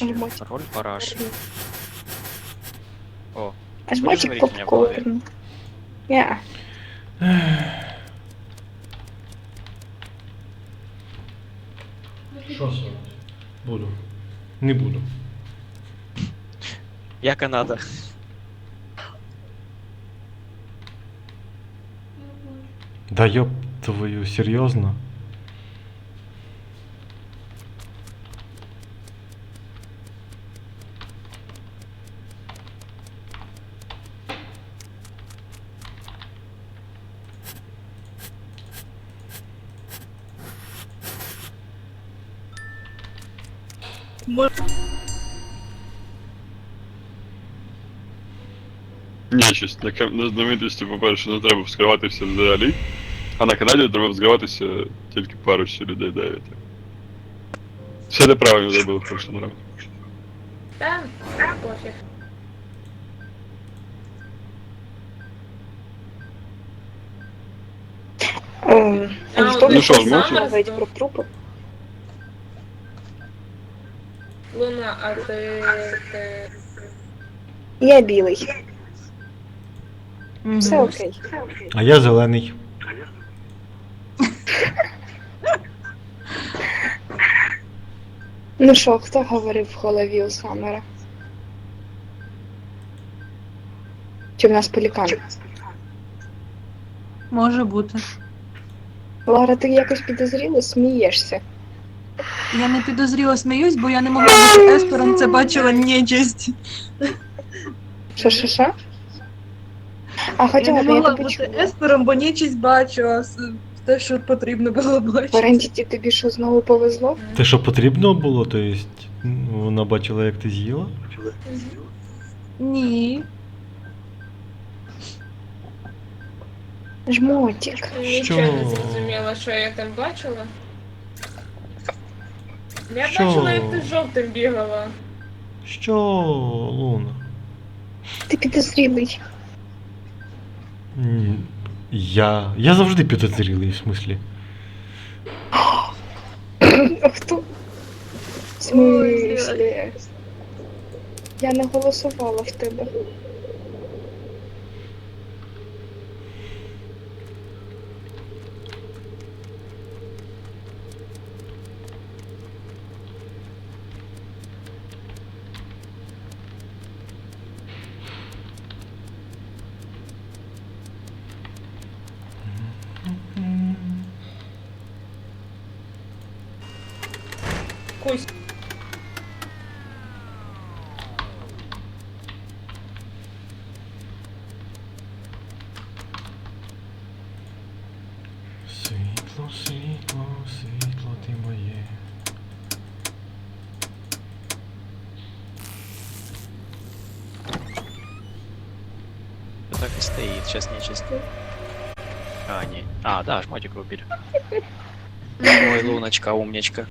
вообще. Жмотик. Роль параш. О, А будешь жмотик говорить у меня в голове? попкорн. Я. Що сон? Буду. Не буду. Я Канада. Да ёб твою, серьезно? Нечисть. На знаменитості, по-перше, не треба вскриватися взагалі, а на Канаді треба вскриватися тільки парочці людей 9. Все неправильно зробили в прошлому раунді. Та, пофіг. А ніхто ну не що, хоче зможеш? говорити про трупи? Луна, а ти... Я білий. Все окей. А я зелений. Ну що, хто говорив в голові у Саммера? Чи в нас пелікан? Може бути. Лара, ти якось підозріло смієшся. Я не підозріло сміюсь, бо я не могла бути еспером, це бачила нечисть. Що? А Я хоча не б я могла тебе бути чула. еспером, бо нечисть бачила те, що потрібно було В бачити. Орендіті тобі що знову повезло? Те, що потрібно було, то есть вона бачила, як ти з'їла? Ні. Жмотик. Нічого не зрозуміла, що я там бачила. Я Що? бачила, як ти з жовтим бігала. Що, Луна? Ти підозрілий. Я завжди підозрілий, в смислі. А хто? В смислі? Я не голосувала в тебе. Кусь. Світло, світло, світло ти моє. Так и стоит, сейчас нечисть. А, не. А, да, жмотик убили. Ой, Луночка, умничка.